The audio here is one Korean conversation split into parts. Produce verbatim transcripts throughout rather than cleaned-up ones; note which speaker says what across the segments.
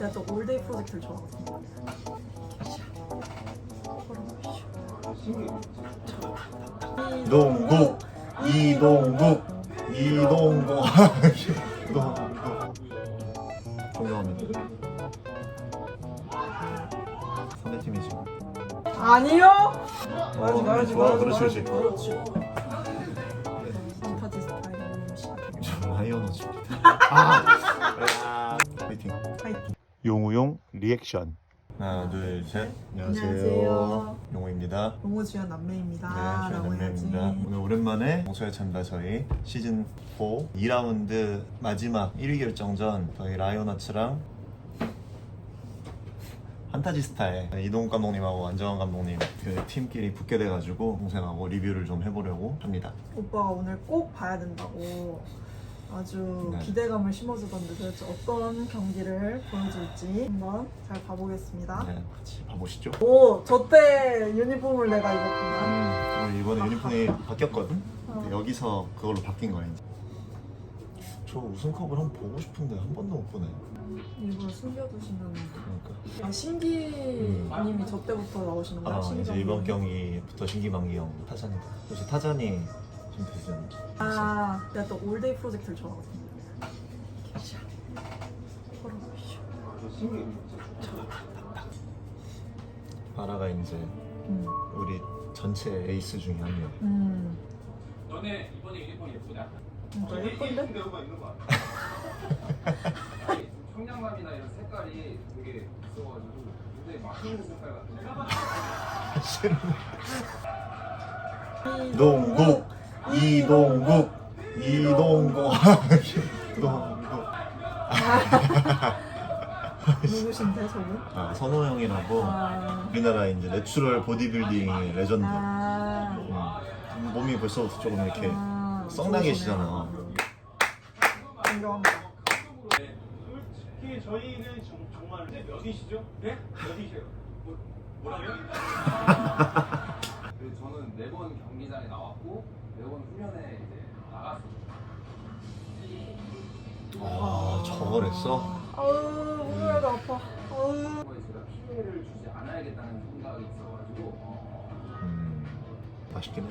Speaker 1: 내가 또 올데이 프로젝트를 좋아하거든.
Speaker 2: 이동국 이동국 이동국 이동국 존경합니다. 상대팀이지.
Speaker 1: 아니요. 말하지
Speaker 2: 어,
Speaker 1: 말하지
Speaker 2: 좋아,
Speaker 1: 말하지
Speaker 2: 그렇지,
Speaker 1: 말하지.
Speaker 2: 그렇지.
Speaker 1: 그렇지. 판타지 스타일 시작해.
Speaker 2: 저 라이언어즈입니다. 아, 파이팅.
Speaker 1: 파이팅.
Speaker 2: 용우용 리액션. 하나 둘 셋. 안녕하세요.
Speaker 1: 안녕하세요.
Speaker 2: 용우입니다.
Speaker 1: 용호 주연 남매입니다.
Speaker 2: 네, 저희
Speaker 1: 라고 해야지.
Speaker 2: 남매입니다. 오늘 오랜만에 목소리 참다 저희 시즌 사 이 라운드 마지막 일 위 결정전 저희 라이온하츠랑 판타지 스타의 이동욱 감독님하고 안정환 감독님 그 팀끼리 붙게 돼가지고 동생하고 리뷰를 좀 해보려고 합니다.
Speaker 1: 오빠가 오늘 꼭 봐야 된다고 아주
Speaker 2: 네.
Speaker 1: 기대감을 심어주던데 도대체 어떤 경기를 보여줄지 한번 잘 봐보겠습니다.
Speaker 2: 네, 같이 봐보시죠.
Speaker 1: 오, 저 때 유니폼을 내가 입었구나.
Speaker 2: 음, 우리 이번에 유니폼이 바뀌었거든?
Speaker 1: 어.
Speaker 2: 근데 여기서 그걸로 바뀐 거야 이제. 저 우승컵을 한번 보고 싶은데 한 번도 못 보네.
Speaker 1: 일부러 숨겨두시는.
Speaker 2: 그러니까.
Speaker 1: 아, 신기님이 저 때부터 나오시는 거야?
Speaker 2: 아
Speaker 1: 신기
Speaker 2: 이제
Speaker 1: 감독님?
Speaker 2: 이번 경기부터 신기만기 형 타잔이다. 역시 타잔이 좀 되잖아.
Speaker 1: 아, 내가 또 올데이 프로젝트를 좋아하거든.
Speaker 2: 바라가 이제
Speaker 1: 음,
Speaker 2: 우리 전체 에이스 중에 한 명.
Speaker 1: 음,
Speaker 3: 너네 이번에 유니폼 예쁘냐?
Speaker 1: 진짜 예쁜데?
Speaker 3: 배우가 있는 거 같아. 청량감이나 이런 색깔이 되게 있어가지고 굉장히 맛있는 색깔 같은데.
Speaker 2: 이동국 이동국 이동국 이동국.
Speaker 1: 누구신데 저분?
Speaker 2: 아 선호 형이라고
Speaker 1: 아,
Speaker 2: 우리나라 이제 내추럴 보디빌딩의 레전드.
Speaker 1: 아,
Speaker 2: 음, 몸이 벌써부터 조금 이렇게
Speaker 1: 아,
Speaker 2: 썩나계시잖아.
Speaker 1: 존경합니다.
Speaker 4: 솔직히 저희는 정, 정말 몇이시죠?
Speaker 3: 네? 어디세요? 뭐, 뭐라고요? 그 저는 매번 경기장에 나왔고 매번 훈련에 이제 나갔습니다.
Speaker 2: 아 저걸 했어?
Speaker 1: 아우, 목요일도 아파. 아우.
Speaker 3: 그거에 제가 피해를 주지 않아야겠다는 생각이 있어가지고 어,
Speaker 2: 음 맛있긴 해.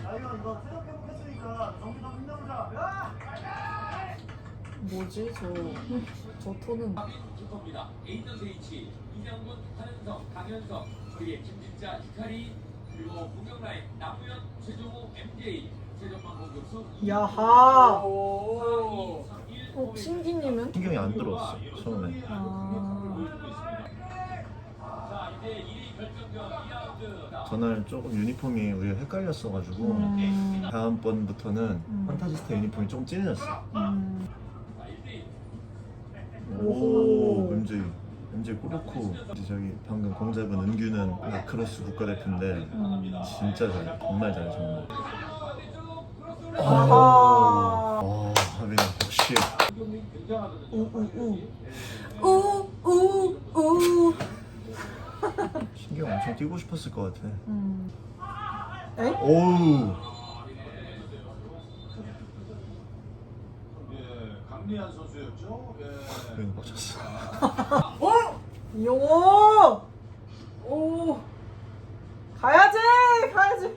Speaker 1: 뭐지 저, 저 톤은.
Speaker 3: 슈퍼입니다. 에이전스 H, 이장군, 한은성, 강현성, 그리고 김진자, 히카리, 그리고 무경라인, 남우현, 최종호, 엠제이, 최전방 공격수
Speaker 1: 야하.
Speaker 3: 오.
Speaker 1: 어, 신기님은?
Speaker 2: 신경이 안 들어왔어 처음에.
Speaker 1: 아,
Speaker 3: 자, 이제 일 위 결정전 이 라운드.
Speaker 2: 전날 조금 유니폼이 우리가 헷갈렸어가지고
Speaker 1: 음,
Speaker 2: 다음번부터는
Speaker 1: 음.
Speaker 2: 판타지스타 유니폼이 좀 진해졌어.
Speaker 1: 음.
Speaker 2: 오,
Speaker 1: 오호.
Speaker 2: 엠제이 엠제이 꾸놓고 이제 저기 방금 공 잡은 은규는 라크로스 국가대표인데
Speaker 1: 음.
Speaker 2: 진짜 잘해. 정말 잘해 정말.
Speaker 1: 아하.
Speaker 2: 어, 하빈 역시.
Speaker 1: 우우우. 우우우.
Speaker 2: 신경 엄청 뛰고 싶었을 것 같아.
Speaker 1: 음. 엥?
Speaker 2: 오우.
Speaker 4: 예, 강리한 선수였죠. 예.
Speaker 2: 그냥 빡쳤어.
Speaker 1: 이용호. 오. 가야지, 가야지.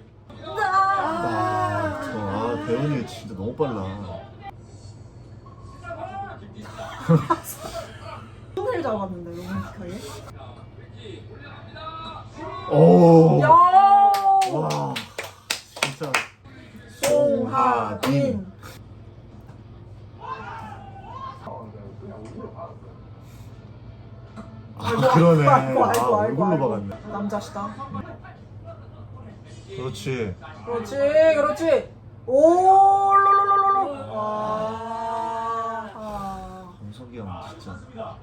Speaker 2: 아, 저, 아 배현이 진짜 너무 빨라.
Speaker 1: 손을 잡았는데 로맨틱하게.
Speaker 2: 오.
Speaker 1: 야.
Speaker 2: 와, 진짜.
Speaker 1: 송하빈.
Speaker 2: 아 그러네.
Speaker 1: 아이고, 아이고,
Speaker 2: 아
Speaker 1: 아이고,
Speaker 2: 얼굴로
Speaker 1: 아이고.
Speaker 2: 박았네.
Speaker 1: 남자시다.
Speaker 2: 그렇지.
Speaker 1: 그렇지, 그렇지. 오, 롤롤롤롤. 와. 아.
Speaker 2: 정석이 형 진짜.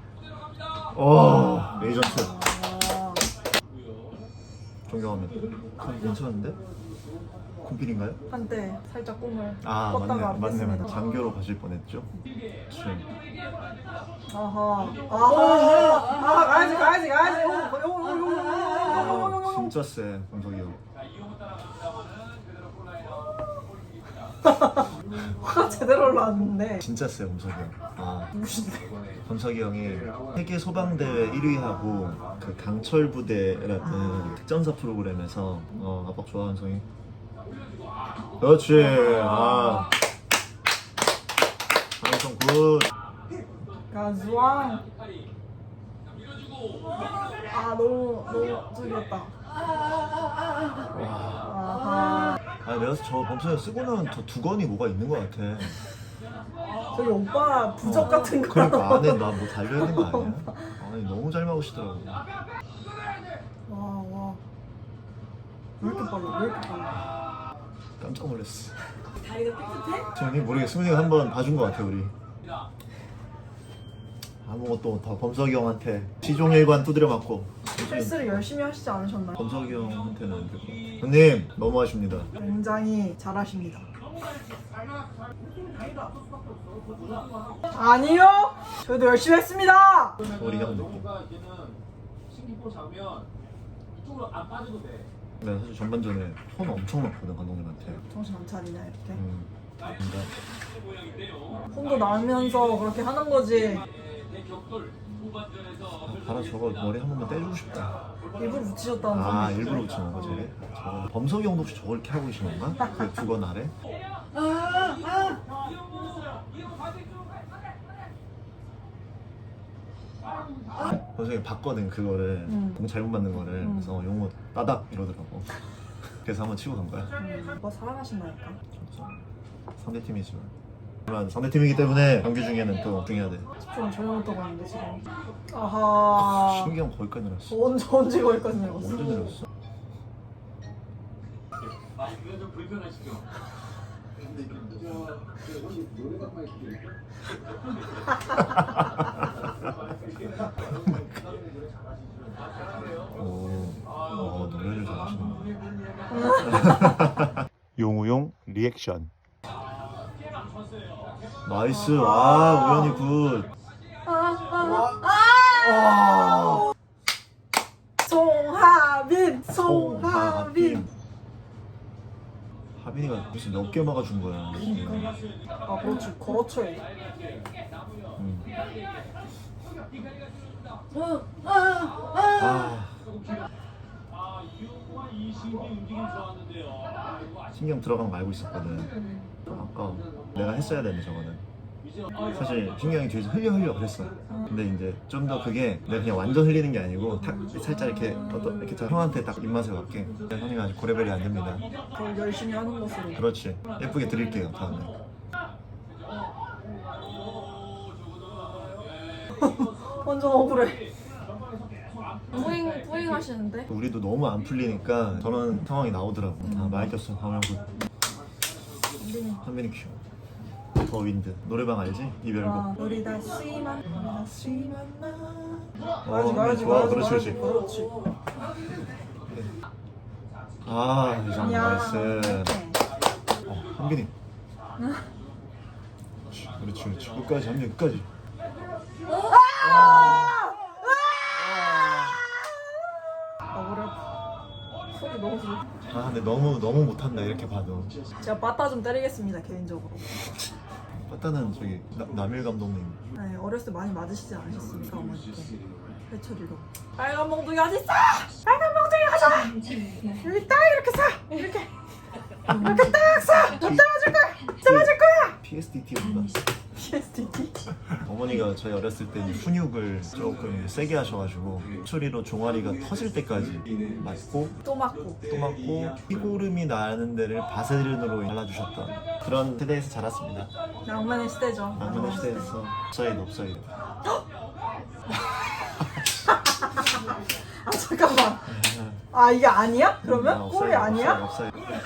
Speaker 2: 와, 레이전트.
Speaker 1: 아.
Speaker 2: 존경합니다. 그럼 괜찮은데? 콤필인가요?
Speaker 1: 한때 살짝 꿈을
Speaker 2: 아
Speaker 1: 꿨다가
Speaker 2: 맞네 맞네 맞네.
Speaker 1: 뺐습니다.
Speaker 2: 장교로 가실 뻔했죠. 그치.
Speaker 1: 아하, 아하, 아 가야지, 가야지, 가야지. 오, 오, 오, 오, 오, 오, 오, 오, 오.
Speaker 2: 진짜 세 정석이 형.
Speaker 1: 화가 제대로 올라왔는데.
Speaker 2: 진짜 세 정석이 형. 아
Speaker 1: 누구신데?
Speaker 2: 범석이 형이 세계 소방대회 일 위하고 그 강철 부대라는 특전사 프로그램에서 어 아빠 좋아하는 성이. 그렇지. 아. 방송 굿.
Speaker 1: 가즈왕. 아 너무 너무 저기였다. 아하.
Speaker 2: 아 내가 저 범석이 형 쓰고 나면 저 두건이 뭐가 있는 것 같아.
Speaker 1: 저기 오빠 부적
Speaker 2: 어.
Speaker 1: 같은 거.
Speaker 2: 그러니까 안에 나 뭐 달려 있는 거 아니야? 아니 너무 잘 막으시더라고.
Speaker 1: 와 와. 왜 이렇게 빨라? 왜 이렇게 빨라?
Speaker 2: 깜짝 놀랐어.
Speaker 1: 다리가 삐끗해?
Speaker 2: 저는 모르겠어. 승훈이가 한번 봐준 것 같아 우리. 아무것도 못하고 범석이 형한테 시종일관 두드려 맞고.
Speaker 1: 실수를 열심히 하시지 않으셨나요?
Speaker 2: 범석이 형한테는 안 되고. 형님 너무하십니다.
Speaker 1: 굉장히 잘하십니다. 아니요. 저희도 열심히 했습니다.
Speaker 2: 우리 형 느낌.
Speaker 4: 뭔가 이제는 신기포 잡으면 이쪽으로 안 빠져도 돼.
Speaker 2: 내가 사실 전반전에 폰 엄청 넣거든 감독님한테.
Speaker 1: 정신 안 차리냐 이렇게.
Speaker 2: 음. 그러니까
Speaker 1: 폰도 나면서 그렇게 하는 거지.
Speaker 2: 봐라 저거 머리 한 번만 떼주고 싶다.
Speaker 1: 일부러 붙이셨다는
Speaker 2: 아
Speaker 1: 소리.
Speaker 2: 일부러 붙이는 거 저게? 저 범석이 형도 혹시 저걸 이렇게 하고 계신 건가? 그 두건 아래? 범석이 형이 봤거든 그거를
Speaker 1: 음.
Speaker 2: 공 잘못 맞는 거를.
Speaker 1: 음.
Speaker 2: 그래서 용호 따닥 이러더라고. 그래서 한번 치고 간 거야.
Speaker 1: 음, 오빠 사랑하신다니까.
Speaker 2: 상대팀이지만 하지만 상대팀이기 때문에 경기 중에는 또 집중해야 돼.
Speaker 1: 집중 전혀 못하고 있는데 지금. 아하.
Speaker 2: 신기 형 거기까지 내렸어.
Speaker 1: 언제 언제 거기까지 내렸어?
Speaker 2: 언제 내렸어?
Speaker 3: 아, 이거 좀 불편하시죠?
Speaker 2: 오, 어, 노래를 잘하시네. 용우용 리액션. 나이스. 와 우연히 굿. 와.
Speaker 1: 송하빈, 송하빈.
Speaker 2: 하빈이가 무슨 몇 개 막아준 거야.
Speaker 1: 아 그렇지, 그렇죠.
Speaker 2: 음. 아
Speaker 4: 아 이용과 이신기 움직임 좋았는데요.
Speaker 2: 신경 들어간 거 알고 있었거든. 아까 내가 했어야 되는데 저거는. 사실 신경이 뒤에서 흘려 흘려 그랬어. 근데 이제 좀 더 그게 내가 그냥 완전 흘리는 게 아니고 탁 살짝 이렇게 어떤 이렇게 딱 형한테 딱 입맛에 맞게. 형님 아직 고레벨이 안 됩니다.
Speaker 1: 더 열심히 하는 것으로.
Speaker 2: 그렇지. 예쁘게 드릴게요 다음에.
Speaker 1: 완전 억울해. 뿌잉 뿌잉 하시는데?
Speaker 2: 우리도 너무 안 풀리니까 저런 상황이 나오더라고. 아 많이 꼈어. 다음에
Speaker 1: 한빈이.
Speaker 2: 한민이 큐. 더 윈드. 노래방 알지? 이별곡.
Speaker 1: 와, 우리 다 스위만, 우리 다 스위만 나.
Speaker 2: 어,
Speaker 1: 가야지, 가야지,
Speaker 2: 좋아.
Speaker 1: 가야지,
Speaker 2: 그렇지,
Speaker 1: 가야지,
Speaker 2: 그렇지.
Speaker 1: 그렇지.
Speaker 2: 아, 이장
Speaker 1: 야.
Speaker 2: 나이스. 어, 한빈이. 그렇지, 그렇지. 끝까지, 한빈이 끝까지.
Speaker 1: 억울해. 소리 너무 들.
Speaker 2: 아, 근데 너무 너무 못한다 이렇게 봐도.
Speaker 1: 제가 빠따 좀 때리겠습니다 개인적으로.
Speaker 2: 빠따는 저기 나, 남일 감독님.
Speaker 1: 네, 어렸을 때 많이 맞으시지 않으셨습니까 어머니께? 회초리로. 빨간 몽둥이 어디 있어? 빨간 몽둥이 가져와. 여기 딱 이렇게 사. 이렇게. 이렇게 딱 사. 못 잡아줄 거야. 잡아줄 거야.
Speaker 2: 피에스디티였나?
Speaker 1: 피에스디티.
Speaker 2: 어머니가 저희 어렸을 때 이제 훈육을 조금 세게 하셔가지고 소리로 종아리가 터질 때까지 맞고
Speaker 1: 또 맞고.
Speaker 2: 또 맞고 피고름이 나는 데를 바세린으로 발라주셨던 그런 세대에서 자랐습니다.
Speaker 1: 낭만의 시대죠.
Speaker 2: 남문의 시대에서 업사이드 업사이드.
Speaker 1: 아 잠깐만. 아 이게 아니야? 그러면
Speaker 2: 아,
Speaker 1: 골이
Speaker 2: 업사이드,
Speaker 1: 아니야?
Speaker 2: 업사이드, 업사이드.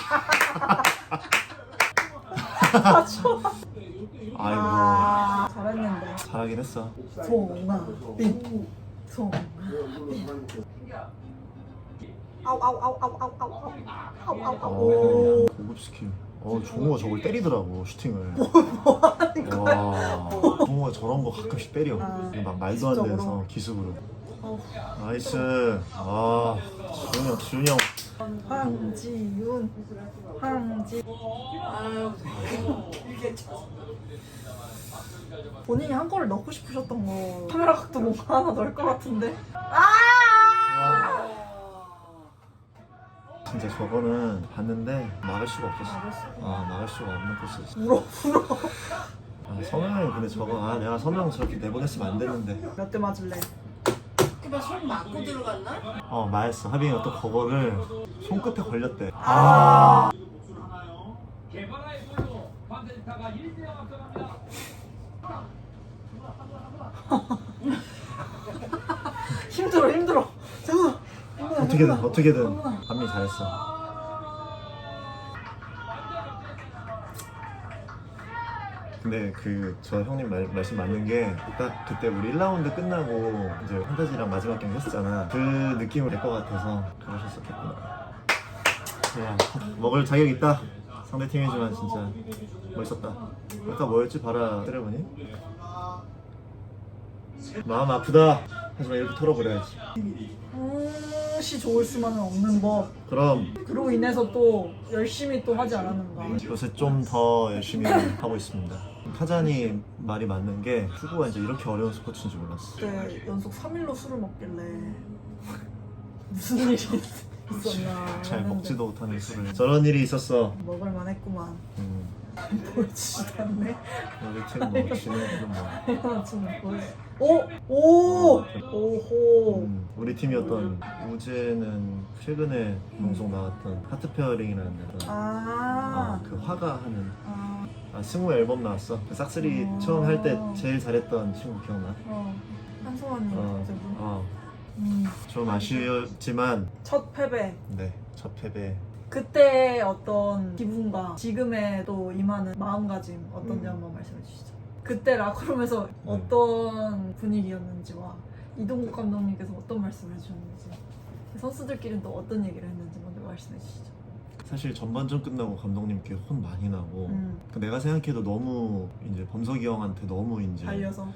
Speaker 1: 아 좋아.
Speaker 2: 아이고
Speaker 1: 아 잘했는데.
Speaker 2: 잘하긴 했어.
Speaker 1: 송하빈, 송하빈. 아우 아우 아우 아우 아우 아우 아우 아우 아우
Speaker 2: 어,
Speaker 1: 아우.
Speaker 2: 고급 스킬. 어 종호가 저걸 때리더라고 슈팅을. 와 종호가 저런 거 가끔씩 때려.
Speaker 1: 아,
Speaker 2: 막 말도 안
Speaker 1: 기습적으로?
Speaker 2: 돼서 기습으로.
Speaker 1: 어우,
Speaker 2: 나이스. 아 지훈이 형 지훈이 형.
Speaker 1: 황지윤 황지 본인이 한 골을 넣고 싶으셨던 거 카메라 각도 뭔가 하나 넣을 것 같은데. 아!
Speaker 2: 진짜 저거는 봤는데 막을 수가 없었어.
Speaker 1: 막을 수가
Speaker 2: 아 막을 수가 없는 코스였어.
Speaker 1: 울어 울어.
Speaker 2: 아 선영이 근데 저거 아 내가 선영 저렇게 내보냈으면 안 됐는데.
Speaker 1: 몇 대 맞을래?
Speaker 5: 그만 손 맞고 들어갔나?
Speaker 2: 어 맞았어. 하빈이가 또 그거를 손끝에 걸렸대.
Speaker 1: 아.
Speaker 3: 개발라의 골로 반대스타가 일 대 영 앞서갑니다.
Speaker 1: 힘들어 힘들어. 잠깐.
Speaker 2: 어떻게든 어떻게든 하빈이 잘했어. 근데 그 저 형님 말, 말씀 맞는 게 딱 그때 우리 일 라운드 끝나고 이제 판타지랑 마지막 경기 했었잖아. 그 느낌을 낼 것 같아서 그러셨었겠구나. 야, 먹을 자격 있다. 상대 팀이지만 진짜 멋있었다. 아까 뭐였지? 바라 세레머니? 마음 아프다. 하지만 이렇게 털어버려야지.
Speaker 1: 음시 좋을 수만은 없는 법.
Speaker 2: 그럼
Speaker 1: 그로 인해서 또 열심히 또 하지 않았는가.
Speaker 2: 요새 좀 더 열심히 하고 있습니다. 타잔이 말이 맞는 게 축구가 이제 이렇게 어려운 스포츠인지 몰랐어.
Speaker 1: 그때 연속 삼 일로 술을 먹길래 무슨 일이 있었나.
Speaker 2: 잘
Speaker 1: 했는데
Speaker 2: 먹지도 못하는 술을. 저런 일이 있었어.
Speaker 1: 먹을 만했구만.
Speaker 2: 음,
Speaker 1: 보여주지도 않네.
Speaker 2: 우리 팀뭐 지는 뭐.
Speaker 1: 하나 치는 보여주. 오! 오! 오호.
Speaker 2: 음, 우리 팀이었던 우재는 최근에 방송 나왔던 하트 페어링이라는 데서
Speaker 1: 아.
Speaker 2: 아, 그 화가 하는
Speaker 1: 아.
Speaker 2: 아, 승우 앨범 나왔어. 그 싹쓸이
Speaker 1: 어.
Speaker 2: 처음 할 때 제일 잘했던 친구 기억나?
Speaker 1: 어. 한소원님
Speaker 2: 어,
Speaker 1: 갑자기.
Speaker 2: 어,
Speaker 1: 음.
Speaker 2: 좀 아쉬웠지만
Speaker 1: 첫 패배.
Speaker 2: 네, 첫 패배.
Speaker 1: 그때 어떤 기분과 지금의 또 임하는 마음가짐 어떤지
Speaker 2: 음.
Speaker 1: 한번 말씀해 주시죠. 그때 라커룸에서 어떤 분위기였는지와 이동국 감독님께서 어떤 말씀을 해주셨는지, 선수들끼리는 또 어떤 얘기를 했는지 먼저 말씀해 주시죠.
Speaker 2: 사실 전반전 끝나고 감독님께 혼 많이 나고
Speaker 1: 음.
Speaker 2: 그 내가 생각해도 너무 이제 범석이 형한테 너무 이제
Speaker 1: 달려서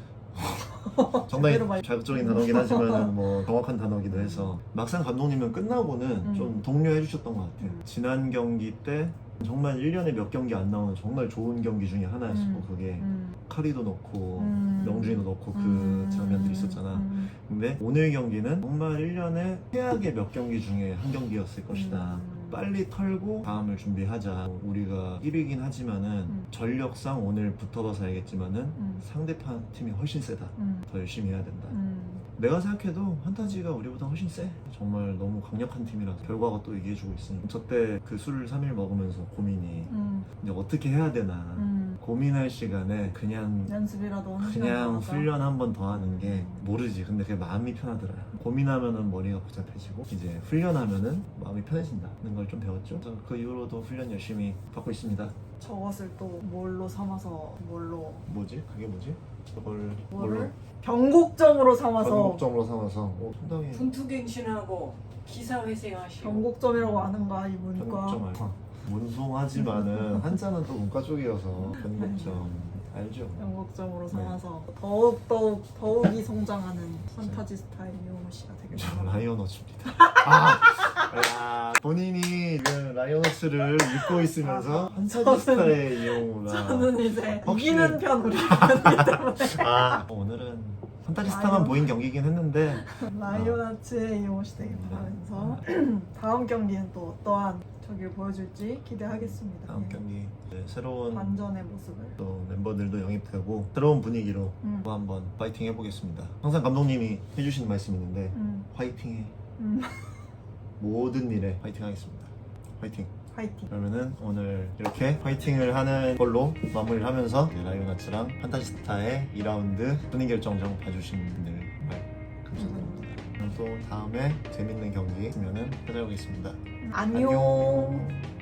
Speaker 2: 상당히
Speaker 1: 제대로 말-
Speaker 2: 자극적인 단어긴 하지만 뭐 정확한 단어기도 해서 막상 감독님은 끝나고는
Speaker 1: 음.
Speaker 2: 좀 독려해 주셨던 것 같아요.
Speaker 1: 음.
Speaker 2: 지난 경기 때 정말 일 년에 몇 경기 안 나오는 정말 좋은 경기 중에 하나였고
Speaker 1: 음.
Speaker 2: 그게
Speaker 1: 음.
Speaker 2: 카리도 넣고
Speaker 1: 음.
Speaker 2: 명준이도 넣고 그
Speaker 1: 음.
Speaker 2: 장면들이 있었잖아.
Speaker 1: 음.
Speaker 2: 근데 오늘 경기는 정말 일 년에 최악의 몇 경기 중에 한 경기였을 것이다.
Speaker 1: 음.
Speaker 2: 빨리 털고 다음을 준비하자. 우리가 일 위긴 하지만은
Speaker 1: 음.
Speaker 2: 전력상 오늘 붙어봐서 알겠지만은
Speaker 1: 음.
Speaker 2: 상대편 팀이 훨씬 세다.
Speaker 1: 음.
Speaker 2: 더 열심히 해야 된다.
Speaker 1: 음.
Speaker 2: 내가 생각해도 판타지가 우리보다 훨씬 세. 정말 너무 강력한 팀이라서 결과가 또 얘기해주고 있으니 저 때 그 술을 삼 일 먹으면서 고민이
Speaker 1: 음.
Speaker 2: 이제 어떻게 해야 되나
Speaker 1: 음.
Speaker 2: 고민할 시간에 그냥
Speaker 1: 연습이라도 한 시간
Speaker 2: 그냥
Speaker 1: 나가자.
Speaker 2: 훈련 한 번 더 하는 게 모르지. 근데 그게 마음이 편하더라. 고민하면은 머리가 복잡해지고 이제 훈련하면은 마음이 편해진다는 걸 좀 배웠죠. 그래서 그 이후로도 훈련 열심히 받고 있습니다.
Speaker 1: 저것을 또 뭘로 삼아서 뭘로
Speaker 2: 뭐지? 그게 뭐지? 저걸
Speaker 1: 뭐를 변곡점으로 삼아서
Speaker 2: 전국점으로 삼아서 어, 상당히
Speaker 5: 분투갱신하고 기사회생하시고
Speaker 1: 변곡점이라고 아는가 이 문과.
Speaker 2: 편곡점 알고 문송하지만은 한자는 또 문과 쪽이어서 편곡점 알죠?
Speaker 1: 변곡점으로
Speaker 2: 네.
Speaker 1: 삼아서 더욱 더욱 더욱이 성장하는 판타지 스타일 이용호 씨가 되길
Speaker 2: 저
Speaker 1: 바랍니다.
Speaker 2: 라이언워치입니다. 아, 야, 본인이 지금 라이언워치를 읽고 있으면서
Speaker 1: 아,
Speaker 2: 판타지
Speaker 1: 저는-
Speaker 2: 스타의 이용우가
Speaker 1: 저는 이제
Speaker 2: 확실히-
Speaker 1: 이기는 편 우리 편이기 때문에
Speaker 2: 아 오늘은 판타지 스타만
Speaker 1: 라이언.
Speaker 2: 보인 경기긴 했는데
Speaker 1: 라이온아츠의 이용호 씨 되길 바라면서 다음 경기는 또 어떠한 저기를 보여줄지 기대하겠습니다.
Speaker 2: 다음
Speaker 1: 예.
Speaker 2: 경기 이제 새로운
Speaker 1: 반전의 모습을.
Speaker 2: 또 멤버들도 영입되고 새로운 분위기로
Speaker 1: 음.
Speaker 2: 또 한번 파이팅 해보겠습니다. 항상 감독님이 해주시는 말씀이 있는데
Speaker 1: 음.
Speaker 2: 파이팅해.
Speaker 1: 음.
Speaker 2: 모든 일에 파이팅 하겠습니다. 파이팅.
Speaker 1: 파이팅.
Speaker 2: 그러면은 오늘 이렇게 파이팅을 하는 걸로 마무리를 하면서 라이온아츠랑 판타지스타의 이 라운드 순위 결정전 봐주신 분들 정말 감사드립니다. 그럼 또 다음에 재밌는 경기 있으면은 찾아오겠습니다.
Speaker 1: 안녕.
Speaker 2: 안녕.